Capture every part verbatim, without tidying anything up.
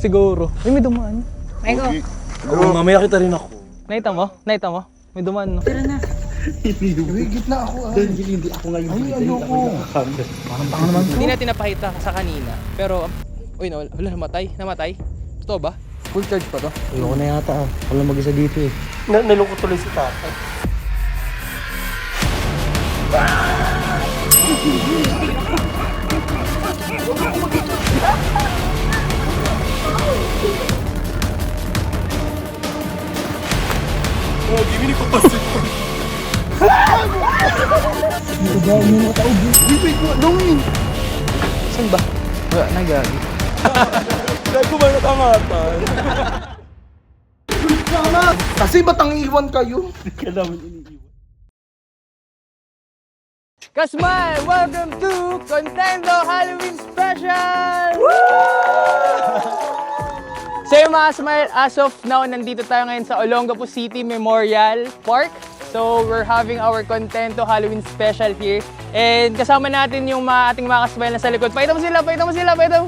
Siguro. Uy, may dumaan. Ayoko. Oh, mamaya kita rin ako. Nakita mo? Nakita mo? May dumaan, no? Tara na. Uy, gitna ako ah. Hindi, hindi ako ngayon. Ay, ayoko. Parang baka naman to. Hindi natin napakita sa kanina. Pero, uy, no, wala, namatay. Namatay. Totoo ba? Full charge pa to? Ayoko na yata ah. Ako lang mag-isa dito eh. Na nalungkot tuloy si tatay. Oh, gimini ko pa siya. Dito ba? May mga tao dito. Wait, wait, Dongin! Saan ba? Wala, nagagi. Dahil ko ba natangatan? Sana! Kasi ba't ang iwan kayo? Hindi ka namin iniiwan. Kasmay, welcome to Contento Halloween Special! So yung mga Smile, as of now, nandito tayo ngayon sa Olongapo City Memorial Park. So we're having our Contento Halloween Special here. And kasama natin yung mga ating mga Kasmile na sa likod. Pakita mo sila, pakita mo sila, pakita mo!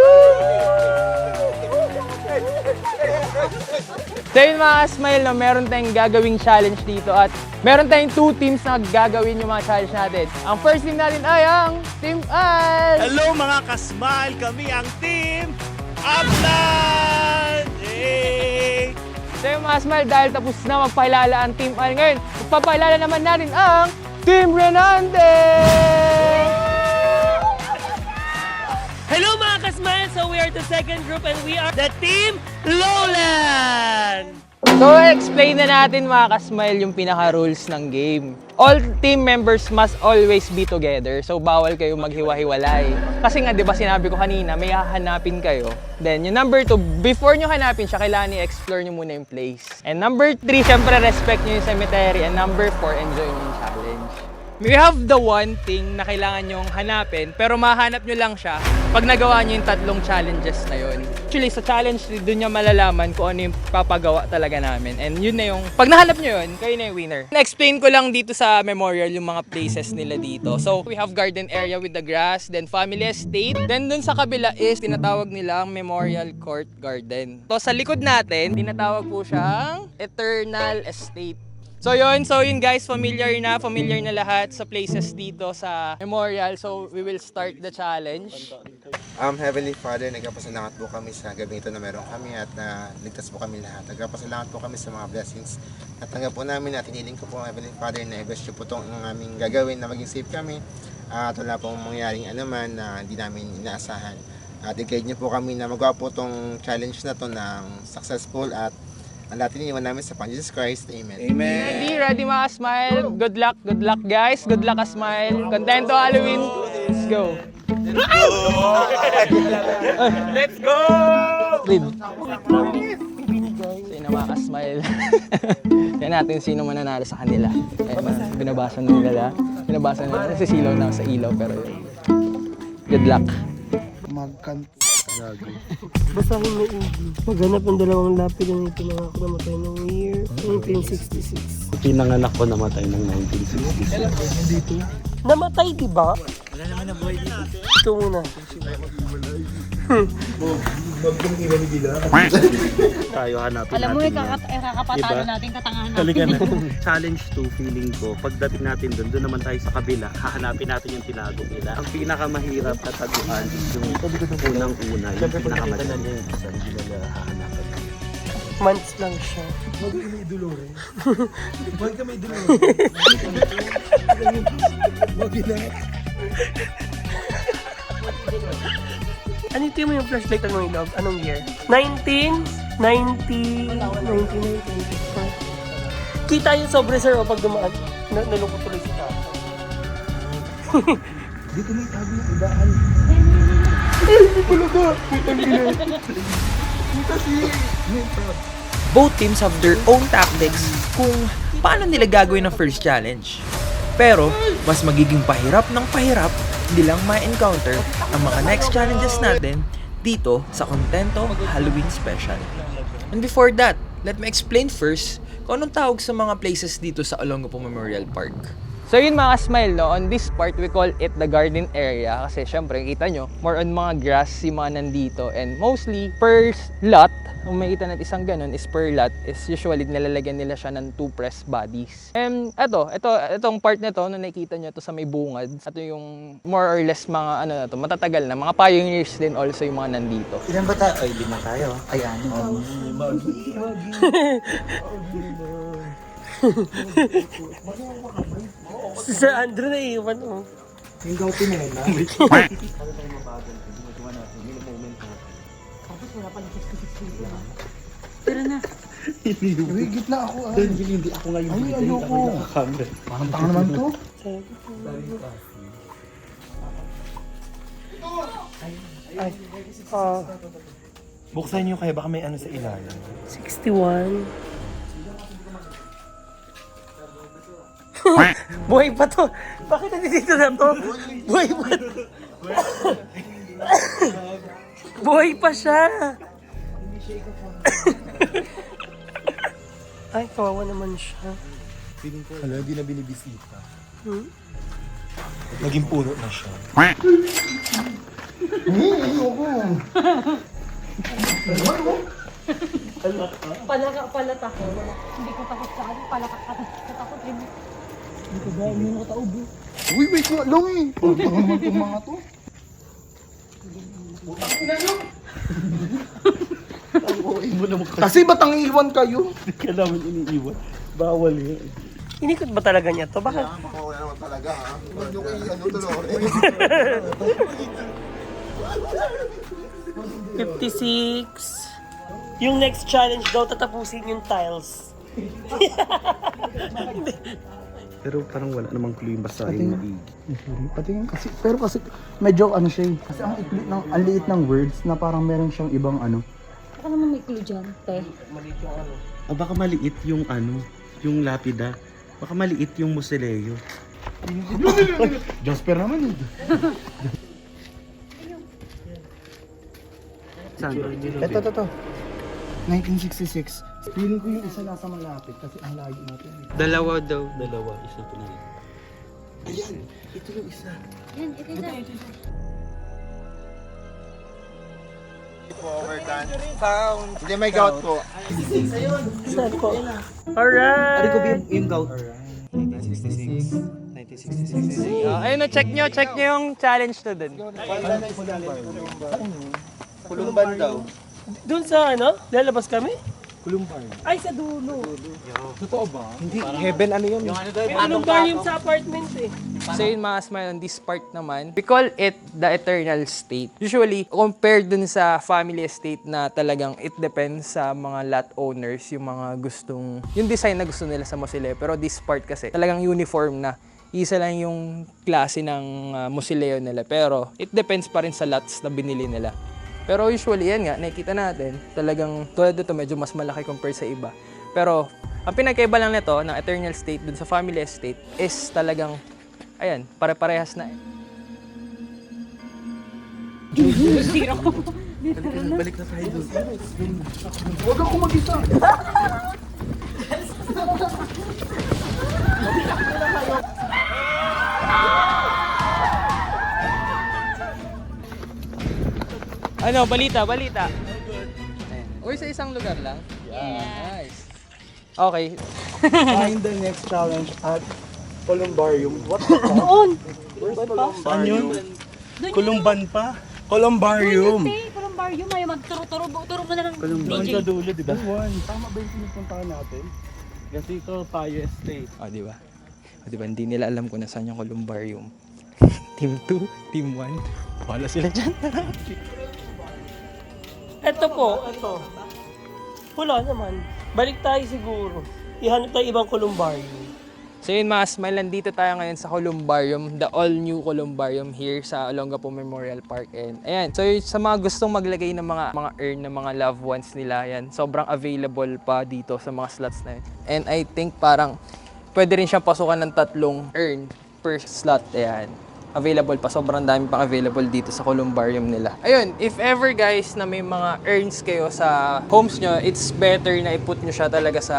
So yun mga Kasmile, no, meron tayong gagawing challenge dito at meron tayong two teams na gagawin yung mga challenge natin. Ang first team natin ay ang Team Al! Hello mga kasmile! Kami ang Team Upland! Hey! So yung mga Smile, dahil tapos na magpahilala ang Team Al ngayon, magpapahilala naman natin ang Team Renante! Hello mga kasmile! So we are the second group and we are the Team Lowland! So explain na natin mga Kasmile yung pinaka-rules ng game. All team members must always be together. So bawal kayo maghiwa-hiwalay. Kasi nga 'di ba sinabi ko kanina, may hahanapin kayo. Then yung number two, before nyo hanapin siya, kailangan i-explore nyo muna yung place. And number three, syempre respect nyo yung cemetery. And number four, enjoy nyo yung challenge. We have the one thing na kailangan nyong hanapin, pero mahanap nyo lang siya pag nagawa nyo yung tatlong challenges na yun. Actually, sa challenge, doon nyo malalaman kung ano yung papagawa talaga namin. And yun na yung, pag nahanap nyo yun, kayo na yung winner. Na-explain ko lang dito sa memorial yung mga places nila dito. So, we have garden area with the grass, then family estate. Then dun sa kabila is, tinatawag nilang Memorial Court Garden. So, sa likod natin, tinatawag po siyang Eternal Estate. So yun, so yun guys, familiar na, familiar na lahat sa places dito sa memorial. So we will start the challenge. Um, Heavenly Father, nagpapasalamat po kami sa gabi ito na meron kami at na ligtas po kami lahat. Nagpapasalamat po kami sa mga blessings. At tanggap po namin at hiniling ko po Heavenly Father na i-bless nyo po itong aming gagawin na maging safe kami. Uh, at wala pong mangyaring anuman na hindi namin inaasahan. At i-guide nyo po kami na magawa po itong challenge na to ng successful at ang lahat iniwan namin sa Pang Jesus Christ. Amen. Amen! Ready, ready mga Smile. Good luck, good luck guys. Good luck Smile. Contento Halloween. Let's go. Let's go! Read. Sino mga Smile. Yan natin sino mananalo sa kanila. Eh, binabasa na nila. Binabasa na nila. Nasisilaw na sa ilaw pero yun. Good luck. Magkanto. Basahin mo yung maghanap ng dalawang lapid na pinangako namatay noong year nineteen sixty-six. Pinanganak ko namatay ng nineteen sixty-six. Dito? Namatay, di ba? Wala naman na buhay dito. Ito muna. Tayo hanapin Alam mo, natin eh, yan. kakat- eh, kakapatalo Diba? natin, katangahan natin. Halika na. Challenge two, feeling ko. Pagdating natin doon, doon naman tayo sa kabila. Hahanapin natin yung tinago nila. Ang pinakamahirap na taguan is yung unang-una. Yung pinakamadaling yung isa, hindi nila hahanapan. Months lang siya. Huwag ka may dolore. Huwag ka may dolore. Huwag na. Ano yung mo yung flashlight ng mga ilog? Anong year? nineteen ninety... nineteen ninety-four. Kita yung sobre sir o pag dumaan. Na nalungkot tuloy si tata. Dito may tabi yung ibahan. Ay, hindi pala ka. Ang ina. Kasi... Both teams have their own tactics kung paano nila gagawin ang first challenge. Pero, mas magiging pahirap ng pahirap hindi lang ma-encounter ang mga next challenges natin dito sa Contento Halloween Special. And before that, let me explain first kung anong tawag sa mga places dito sa Olongapo Memorial Park. So yun mga smile, no? On this part, we call it the garden area kasi syempre, kita nyo, more on mga grass yung mga nandito and mostly per lot, kung makita natin isang ganun is per lot, is usually nilalagyan nila siya ng two press bodies. And eto, ito, itong part na to, na nakikita nyo to sa may bungad, ito yung more or less mga ano na to, matatagal na, mga pioneers din also yung mga nandito. Ilan ba tayo? Ay, lima tayo. Ay, ano? Si Sir Andrew na iwan, oh. Yung gaw pinela. Uy, gitna ako ah. Hindi, hindi ako ngayon. Ay, ayoko. Parang tanga naman to. Ay, ah, Buksan niyo kaya baka may ano sa ilalim. sixty-one. Buhay pa to. Bakit nandito na to? Buhay pa. Buhay pa siya. Ay, kawawa naman siya. Feeling ko, hala, hindi na binibisita. Hmm? Naging puno na siya. Palaka, palat ako. Hindi ko takot sa ano, palaka ka. Natakot rin. Uy, wait nga lang eh. Parang tanga naman itong mga to. Kasi ba't ang iwan kayo? Hindi ka namin iniiwan. Bawal yun. Inikot ba talaga niya to? Bakit? Makawala naman talaga ha. Huwag nyo kayo ano to fifty-six. Yung next challenge daw, tatapusin yung tiles. Pero parang wala namang clue yung basahin maigi. Pati nga kasi, pero kasi medyo ano siya eh. Kasi ang ikli ng, ang liit ng words na parang meron siyang ibang ano. Baka naman may clue dyan, te. O baka maliit yung ano, yung lapida. Baka maliit yung musileo. Jasper naman eh. Saan? Ito, ito, ito. nineteen sixty-six. Feeling ko yung isa nasa malapit kasi ang layo natin. Dalawa daw. Dalawa, isa pa na. Ayan, ito yung isa. Yan, ito dyan. Overdone. Hindi may gout po. Saan po? Alright! Ari ko ba yung, yung gout? Uh, ayun na, check nyo, check nyo yung challenge to dun. Kulumban daw. Doon sa ano? Lalabas kami? Kulumbar. Ay, sa dulo. Totoo ba? Hindi, heaven ano yun? May anong bar yung sa apartment eh. So yun mga smile, on this part naman, we call it the eternal state. Usually, compared dun sa family estate na talagang it depends sa mga lot owners, yung mga gustong, yung design na gusto nila sa mausoleo. Pero this part kasi, talagang uniform na. Isa lang yung klase ng uh, mausoleo nila. Pero it depends pa rin sa lots na binili nila. Pero usually, yan nga, nakikita natin, talagang tulad dito medyo mas malaki compared sa iba. Pero ang pinagkaiba lang nito ng eternal state dun sa family estate is talagang, ayan, pare-parehas na. Balik na tayo doon. Huwag ako mag-isa. Ano, balita, balita. Ayan. Uy, sa isang lugar lang? Yeah. Nice. Okay. Find the next challenge at Columbarium. What the fuck? Doon! Saan yun? Doon Kulumban pa? Doon Columbarium. yun, te. Columbarium. Ay, magturo-turo. Turo mo na lang. Doon sa dulo, di ba? Tama ba yung pinupuntahan natin? Kasi ito, Payo Estate. O, di ba? O, di ba? Hindi nila alam kung nasaan yung columbarium. Team two, Team one. Wala sila dyan. Ito po, ito. Wala naman. Balik tayo siguro. Ihanap tayo ibang columbarium. So yun mga smile, nandito tayo ngayon sa Columbarium, the all-new Columbarium here sa Olongapo Memorial Park. And ayan, so yun, sa mga gustong maglagay ng mga mga urn ng mga loved ones nila, yan, sobrang available pa dito sa mga slots na yun. And I think parang pwede rin siyang pasukan ng tatlong urn per slot. Ayan, available pa, sobrang dami pang available dito sa Columbarium nila. Ayun, if ever guys na may mga urns kayo sa homes nyo, it's better na iput nyo siya talaga sa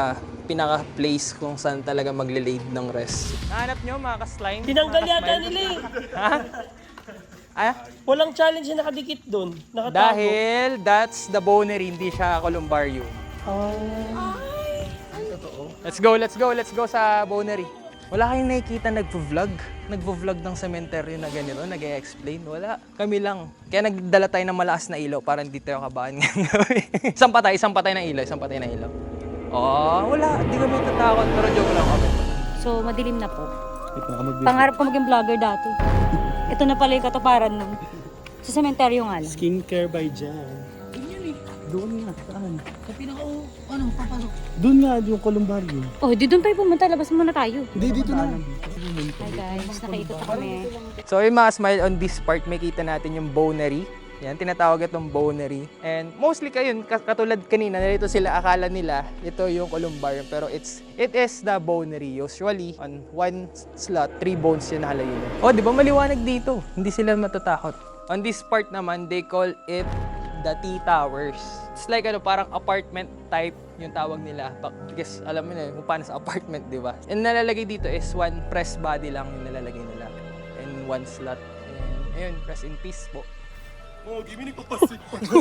pinaka-place kung saan talaga magle-laid ng rest. Nahanap nyo mga ka-slime? Tinanggal Mga yata ka-smile? nila eh. Ha? Ah? Walang challenge na nakadikit doon. Nakatago. Dahil that's the bonery, hindi siya columbarium. Ah. Let's go, let's go, let's go sa bonery. Wala kayong nakikita nagvo-vlog? Nagvo-vlog ng cemetery na ganito, nag-e-explain? Wala. Kami lang. Kaya nagdala tayo ng malakas na ilaw para hindi tayo kabahan ngayong gabi. Isang patay, isang patay na ilaw, isang patay na ilaw. Oh, wala. Hindi kami tatakot, pero joke lang kami. So, madilim na po. Pangarap ko maging vlogger dati. Ito na pala yung katuparan nun. Sa sementeryo nga lang. Skincare by Jan. Doon nga, saan? Sa pinaka, ano, papasok. Doon nga, yung columbarium. Oh, di doon tayo pumunta. Labas muna tayo. Hindi, dito na. Hi guys, nakaikot kami. So yung mga smile on this part, may kita natin yung bonery. Yan, tinatawag itong bonery. And mostly kayo, katulad kanina, narito sila, akala nila, ito yung columbarium. Pero it's, it is the bonery. Usually, on one slot, three bones yung nakalayo. Oh, di ba maliwanag dito? Hindi sila matatakot. On this part naman, they call it the T-Towers. It's like ano, parang apartment type yung tawag nila. Because alam mo na kung paano sa apartment, di ba? And nalalagay dito is one press body lang yung nalalagay nila. And one slot. And ayun, rest in peace po. Oh, give me nagpapasik.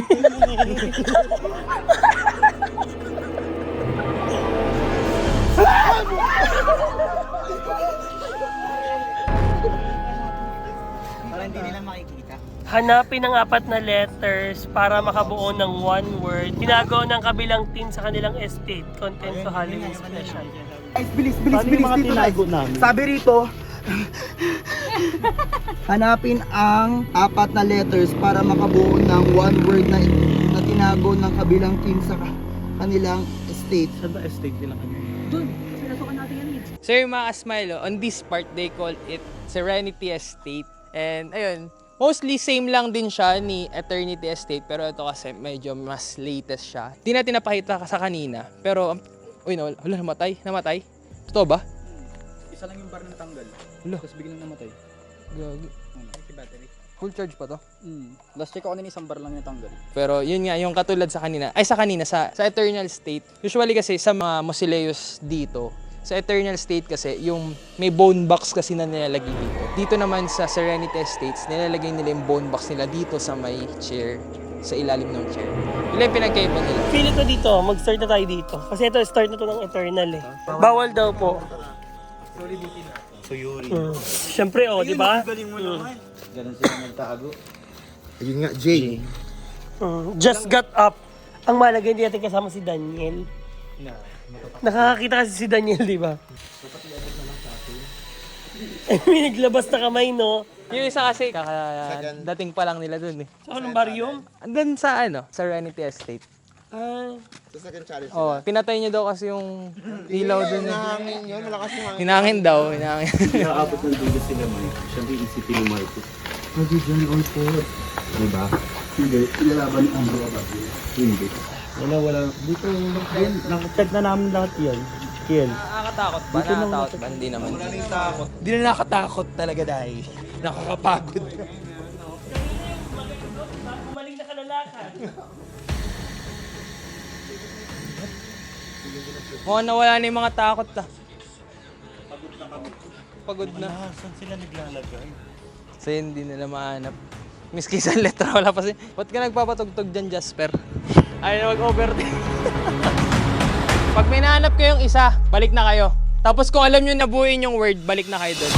Hanapin ang apat na letters para makabuo ng one word. Tinago ng kabilang team sa kanilang estate. Content to Halloween special. Guys, bilis, bilis, bilis dito guys. Sabi rito, hanapin ang apat na letters para makabuo ng one word na, na tinago ng kabilang team sa ka- kanilang estate. Saan ba estate nila kanina? So yung mga smile, oh, on this part, they call it Serenity Estate. And ayun, mostly same lang din siya ni Eternity Estate, pero ito kasi medyo mas latest siya. Di natin napakita sa kanina, pero, uy, no, wala, namatay, namatay. Totoo ba? Isa lang yung bar na natanggal. Wala. Tapos biglang namatay. Gagi. Battery. Full charge pa to? Mm. Last check ako kanina isang bar lang natanggal. Pero yun nga, yung katulad sa kanina, ay sa kanina, sa, sa Eternal State, usually kasi sa mga mausoleus dito, sa Eternal State kasi, yung may bone box kasi na nilalagay dito. Dito naman sa Serenity Estates, nilalagay nila yung bone box nila dito sa may chair, sa ilalim ng chair. Yun yung pinagkaiba nila. Pili ko dito, mag-start na tayo dito. Kasi ito, start na to ng Eternal eh. Bawal daw po. So Yuri. Mm. Siyempre oh, di ba? Galing mo naman. Ganun sila nagtago. Ayun nga, Jay. Mm. Just got up. Ang malaga, hindi natin kasama si Daniel. Nakakakita kasi si Daniel, di ba? Eh, may naglabas na kamay, no? Yung isa kasi, kakadating pa lang nila dun eh. Sa Columbarium? Andun sa ano, Serenity Estate. Ah, Sa second challenge. Oh, pinatay niya daw kasi yung ilaw dun eh. Hangin yun, malakas yung hangin. Hinangin daw, hinangin. Nakaabot ng dulo sila, Mike. Siyempre, isipin ni Marco. Pwede dyan all four. Diba? Hindi, ilalaban ni Andrew Abad. Hindi. Wala, wala. Dito, ayun, nakacheck na namin lahat yan. Kiel. Nakakatakot ba? Nakakatakot ba? Hindi naman. Wala nang takot. Hindi na nakakatakot talaga dahil nakakapagod. Maling na kalalakan. Mukhang nawala na yung mga takot ah. Pagod na. Ah, saan sila naglalagay? So hindi nila mahanap. Miski sa letra, wala pa si... Ba't ka nagpapatugtog dyan, Jasper? Ayaw na mag-overthink. Pag may nahanap kayong isa, balik na kayo. Tapos kung alam nyo nabuuin yung word, balik na kayo doon.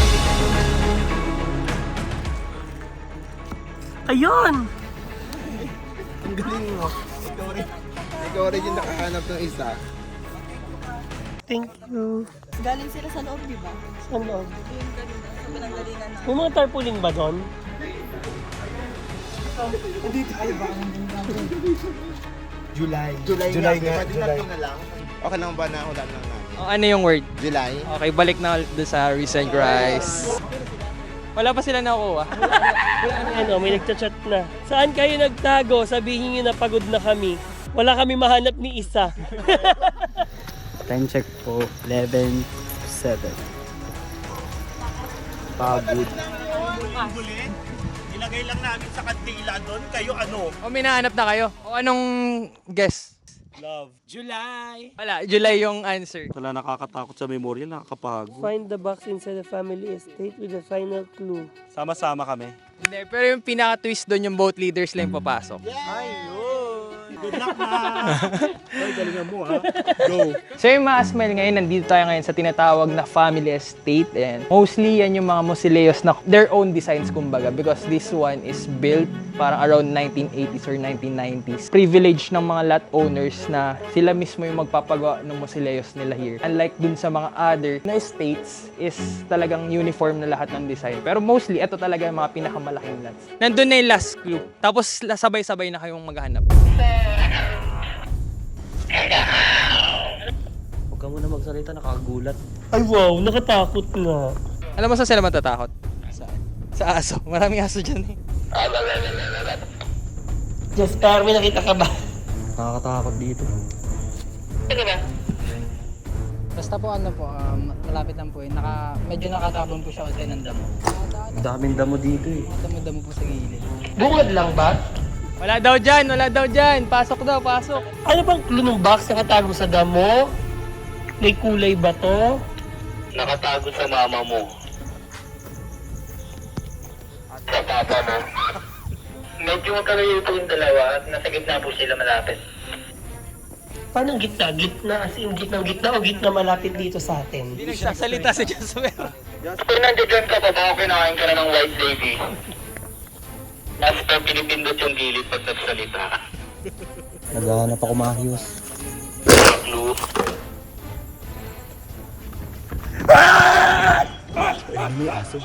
Ayun! Ang galing mo. Ikaw rin yung nakahanap ng isa. Thank you. Galing sila sa loob, di ba? Sa loob. May mga tarpaulin ba doon? July. July, July nga. nga, Pwede July. tatlo na lang. Okay lang ba na ulan lang natin? O, ano yung word? July. Okay, balik na ulit doon sa recent rise. Wala pa sila nakuha. Ano, may nagchat-chat na. Saan kayo nagtago? Sabihin nyo na pagod na kami. Wala kami mahanap ni isa. Time check po, eleven seven. Pagod. Ilagay lang namin sa kandila doon. Kayo ano? O, may nahanap na kayo. O, anong guess? Love. July! Wala, July yung answer. Wala, nakakatakot sa memorya, nakakapagod. Find the box inside the family estate with the final clue. Sama-sama kami. Hindi, pero yung pinaka-twist doon yung both leaders lang yung papasok. Ayun! Good luck na! Ay, galingan mo ha. Go! So yung mga Asmel ngayon, nandito tayo ngayon sa tinatawag na family estate. And mostly yan yung mga mausoleos na their own designs kumbaga because this one is built parang around nineteen eighties or nineteen nineties. Privilege ng mga lot owners na sila mismo yung magpapagawa ng mausoleos nila here. Unlike dun sa mga other na estates is talagang uniform na lahat ng design. Pero mostly, ito talaga yung mga pinakamalaking lots. Nandun na yung last clue. Tapos sabay-sabay na kayong maghanap. Huwag ka muna magsalita, nakakagulat. Ay wow, nakatakot na. Alam mo saan sila matatakot? Saan? Sa aso. Maraming aso dyan eh. Jasper, may nakita ka ba? Nakakatakot dito. Basta po ano po, um, malapit lang po eh. Naka, medyo nakatabon po siya kasi ng damo. Ang daming damo dito eh. Damo-damo po sa gilid. Bungad lang ba? Wala daw dyan, wala daw dyan. Pasok daw, pasok. Ano bang clue ng box nakatago sa damo? May kulay ba to? Nakatago sa mama mo. At sa papa mo. Medyo magkalayo po yung dalawa at nasa gitna po sila malapit. Paano gitna? Gitna as in gitna gitna o gitna malapit dito sa atin? Hindi nagsasalita si Jasper. Kung nandiyan ka pa ba, kinakain ka na ng white lady. Nasa pa pinipindot yung gilid pag nagsalita. Naghahanap ako maayos. Clue. Ano yung aso?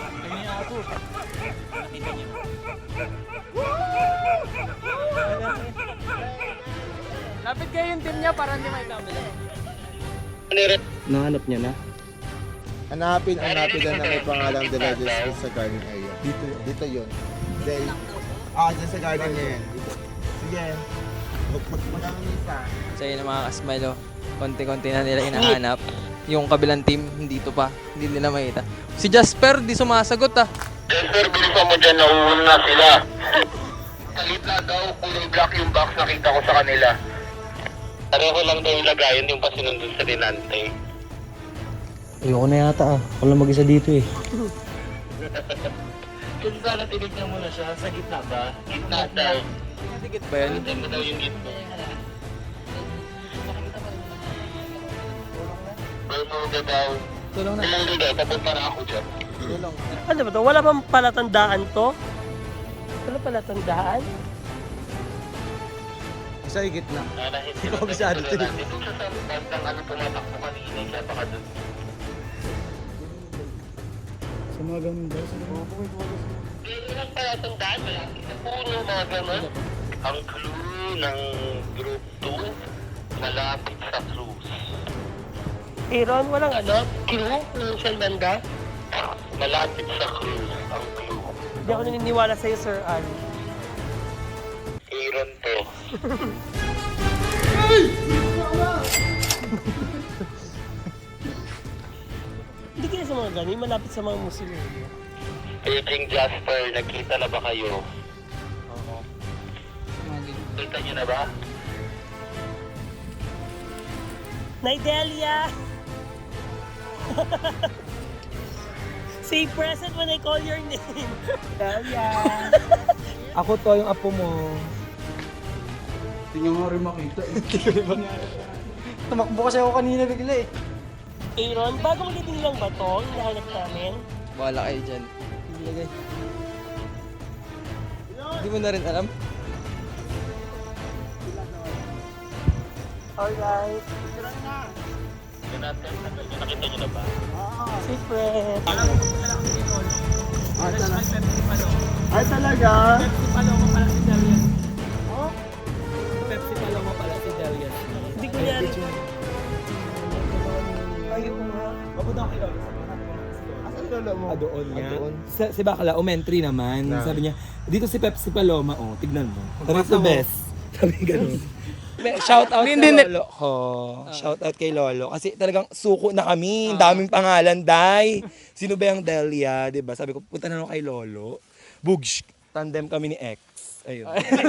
Lapit kayo yung team niya para hindi may tabla. Nahanap niya na? Hanapin ang napitan na may pangalang The Legends sa garden area. Dito, dito yun. Dahil, ah, dyan sa garden niya yan. Dito. Sige. Mag-magmagamit ka. So yun ang mga kasmalo. Konti-konti na nila hinahanap. Yung kabilang team, hindi to pa. Hindi nila makita. Si Jasper, di sumasagot ah. Jasper, bilisan mo dyan, nauuna na sila. Sa gitna daw, kulay black yung box nakita ko sa kanila. Pareho lang daw yung lagayan yung pasinundon sa dinante. Ayoko na yata ah. Ako lang mag-isa dito eh. Kung sana tinignan mo na siya, sa gitna ba? Gitna daw. Dikit ba yun? Tignan mo daw yung gitna. Bermuda daw. Tulong na. Bermuda, papunta na ako dyan. Tulong. Ano ba to? Wala bang palatandaan to? Wala palatandaan? Sa higit na. Hindi ko kabisado ito. Dito siya sa bandang ano pumatakbo kanina, kaya baka doon. Sa mga ganun daw. Hindi lang palatandaan, malaki sa puno, mga gano'n. Ang clue ng group two, malapit sa clues. Aaron, walang ano? Clue? Walang siyang banda? Malapit sa clues, ang clue. Hindi ako naniniwala sa'yo, Sir Al. Aaron to. Hindi kaya sa mga ganun, malapit sa mga muslim. Aging Jasper, nagkita na ba kayo? Mga ganun. Kita niyo na ba? Nidelia! Say present when I call your name. Delia! Ako to, yung apo mo. Hindi nyo nga rin makita eh. Tumakbo kasi ako kanina bigla eh. Aaron, bago magiting lang ba to? Yung nahanap namin? Bahala kayo dyan. Ilagay. Hindi mo na rin alam. Alright. Jonathan, nakita niyo na ba? Secret. Ay talaga? Hindi ko niya rin. Ayaw nga. Asan lolo mo? Ah, doon Ah, nga. doon. Sa, si Bakala, umentry naman. Na. Sabi niya, dito si Pepsi Paloma, oh, tignan mo. Sabi ko, best. Sabi ganun. Shout out Hindi, kay hindi. Lolo ko. Shout out kay Lolo. Kasi talagang suko na kami. Ang daming pangalan, Day. Sino ba yung Delia, di ba? Sabi ko, punta na ako kay Lolo. Bugsh. Tandem kami ni X. Ayun.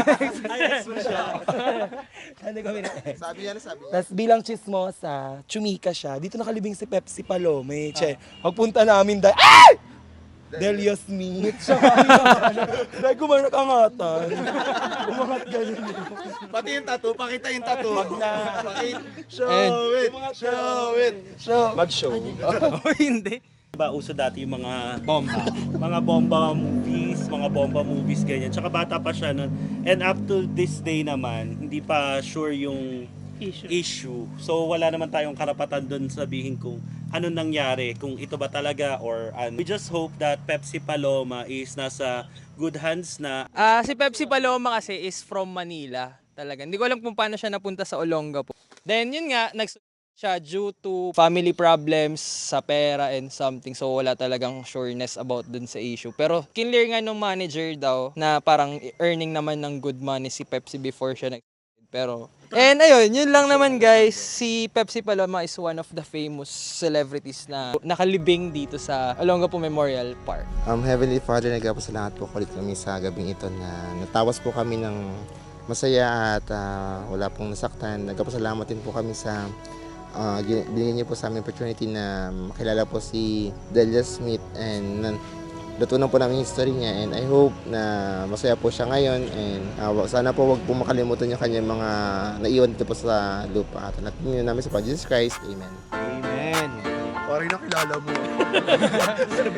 Ano kami na ex? Sabi niya na sabi niya. Tapos bilang chismosa, chumika siya. Dito nakalibing si Pepsi Palome. Che, pagpunta namin dahil, ay! Dahil Yasmin. Siya kami dahil kumain nakangatan. Umangat ganun. Pati yung tattoo, pakita yung tattoo. Wag na. Show it, show it, show. Mag-show. O hindi. Diba, uso dati yung mga bomba. mga bomba movies, mga bomba movies, ganyan. Tsaka bata pa siya nun. And up to this day naman, hindi pa sure yung Issue. issue. So wala naman tayong karapatan doon sabihin kung ano nangyari, kung ito ba talaga or ano. We just hope that Pepsi Paloma is nasa good hands na. Ah, si Pepsi Paloma kasi is from Manila. Talaga. Hindi ko alam kung paano siya napunta sa Olongapo. Then yun nga, nag siya due to family problems sa pera and something. So wala talagang sureness about dun sa issue. Pero kinlear nga nung manager daw na parang earning naman ng good money si Pepsi before siya nag pero and ayun, yun lang naman guys. Si Pepsi Paloma is one of the famous celebrities na nakalibing dito sa Olongapo Memorial Park. Um, Heavenly Father, nagpapasalamat po ulit kami sa gabing ito na natawas po kami ng masaya at uh, wala pong nasaktan. Nagpapasalamat din po kami sa uh, binigyan niyo po sa aming opportunity na makilala po si Delia Smith and nan natutunan po namin yung history niya and I hope na masaya po siya ngayon and uh, sana po wag po makalimutan yung kanyang mga naiwan dito po sa lupa at natin namin sa Panginoon Jesus Christ. Amen. Amen. Parang nakilala mo. Sabi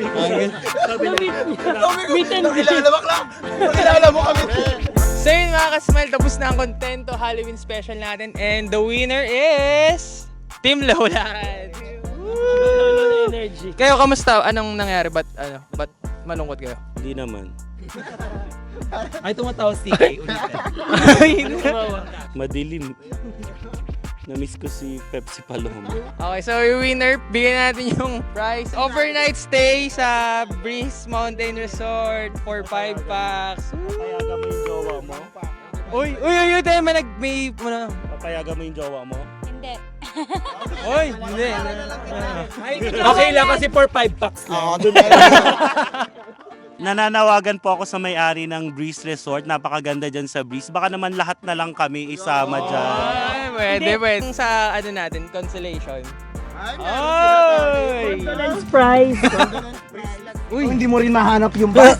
ko, Nakilala mo, Clark! Nakilala mo kami. So yun mga kasmile, tapos na ang Contento Halloween special natin and the winner is Team Lowland. energy. Kayo kamusta? Anong nangyari? Ba't ano? Ba't malungkot kayo? Hindi naman. Ay, tumatawa si Kay ulit. Madilim. Na-miss ko si Pepsi Paloma. Okay, so yung winner, bigyan natin yung prize. Overnight stay sa Breeze Mountain Resort for five packs. Papayagan mo yung jowa mo? Uy, uy, uy, uy, tayo may nag, may, ano, Papayagan mo yung jowa mo? Hindi. uy, hindi. Okay lang kasi for five packs lang. Nananawagan po ako sa may-ari ng Breeze Resort. Napakaganda dyan sa Breeze. Baka naman lahat na lang kami isama dyan. Ay, pwede, pwede. Sa, ano natin, consolation. Ay! Condolence prize. Uy, hindi mo rin mahanap yung bus.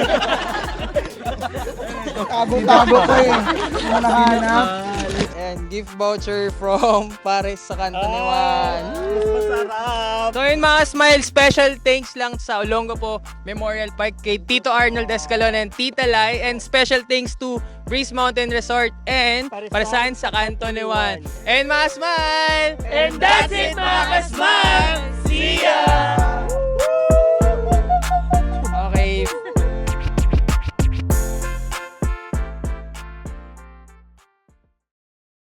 Tago-tago ko eh. Hindi mo nahanap. And gift voucher from Pares sa Kanto ni Juan. Masarap! So yun mga smile, special thanks lang sa Olongapo Memorial Park kay Tito Arnold Escalon and Tita Lai, and special thanks to Breeze Mountain Resort and Paresan sa Kanto ni Juan. And mga smile! And that's it mga kasmile! See ya!